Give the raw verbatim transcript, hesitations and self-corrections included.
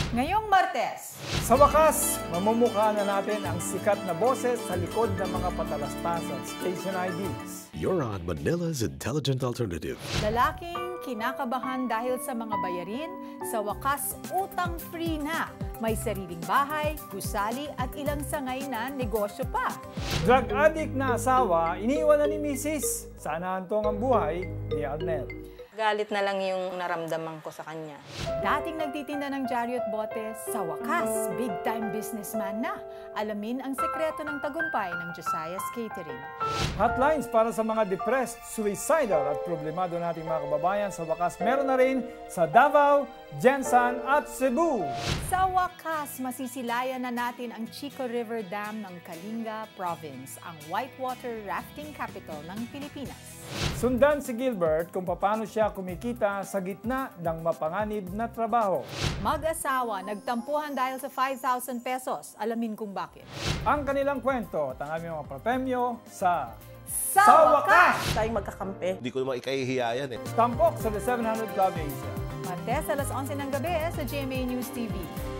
Ngayong Martes, sa wakas, mamumukha na natin ang sikat na boses sa likod ng mga patalastas at station I Ds. You're on Manila's Intelligent Alternative. lalaking kinakabahan dahil sa mga bayarin, sa wakas utang-free na. May sariling bahay, gusali at ilang sangay na negosyo pa. Drug addict na asawa, iniwan na ni misis. Sana hantong ang buhay ni Arnel. Galit na lang yung naramdaman ko sa kanya. Dating nagtitinda ng dyaryo at bote, sa wakas, big-time businessman na. Alamin ang sekreto ng tagumpay ng Josiah's Catering. Hotlines para sa mga depressed, suicidal at problemado nating mga kababayan sa wakas meron na rin sa Davao, Jensan at Cebu. Sa wakas, masisilayan na natin ang Chico River Dam ng Kalinga Province, ang whitewater rafting capital ng Pilipinas. Sundan si Gilbert kung paano siya kumikita sa gitna ng mapanganib na trabaho. Mag-asawa, nagtampuhan dahil sa five thousand pesos. Alamin kung bakit. Ang kanilang kwento at ang aming mga premyo sa Sa, wakas! Tayong magkakampi. Hindi ko naman ikahihiya yan eh. Tampok sa The seven hundred Club Asia. Martes, alas onse ng gabi sa G M A News T V.